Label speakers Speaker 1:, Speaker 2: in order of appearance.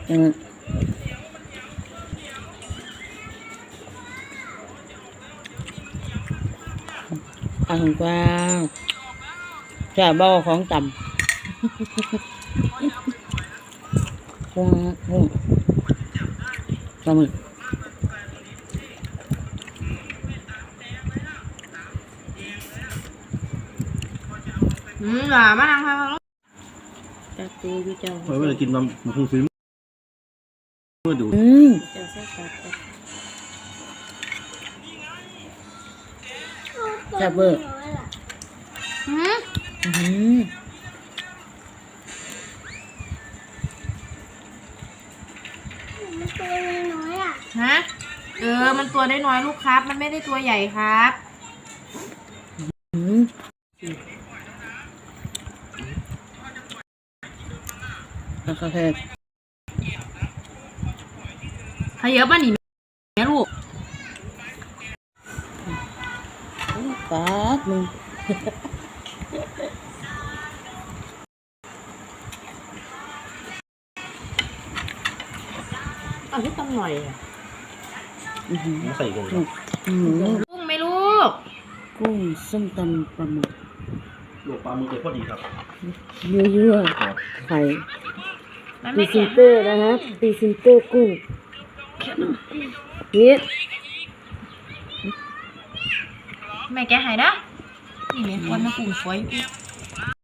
Speaker 1: อันกว่าแช่เบาของต่ำกุ้งปลาหมึก
Speaker 2: หล่ามานั่งค่ะ
Speaker 1: จักตีพี่เจ้า
Speaker 3: เมื่อกินมันคงซื้อเมื่อดู
Speaker 1: เจ้าใส่ตัดจับเบอร์
Speaker 4: มันตัวน้อยอ่ะ
Speaker 2: ฮะมันตัวได้น้อยลูกครับมันไม่ได้ตัวใหญ่ครับ
Speaker 1: โอเค
Speaker 2: ขยับมาหนิแม่ลูก
Speaker 1: ปาดมึง
Speaker 2: ที่ตำหน่อย
Speaker 3: ใส่กัน
Speaker 2: กุ้งไหมลูก
Speaker 1: กุ้งส้มตำปลาหมึก
Speaker 3: ลูกปลาหมึกเลยพอดีครับ
Speaker 1: เยื่อไข่ปีซินเตอร์นะครับปีซินเตอร์กุ้งนี่
Speaker 2: แม่แกหายนะนี่แม่วันมากุ้งฝอย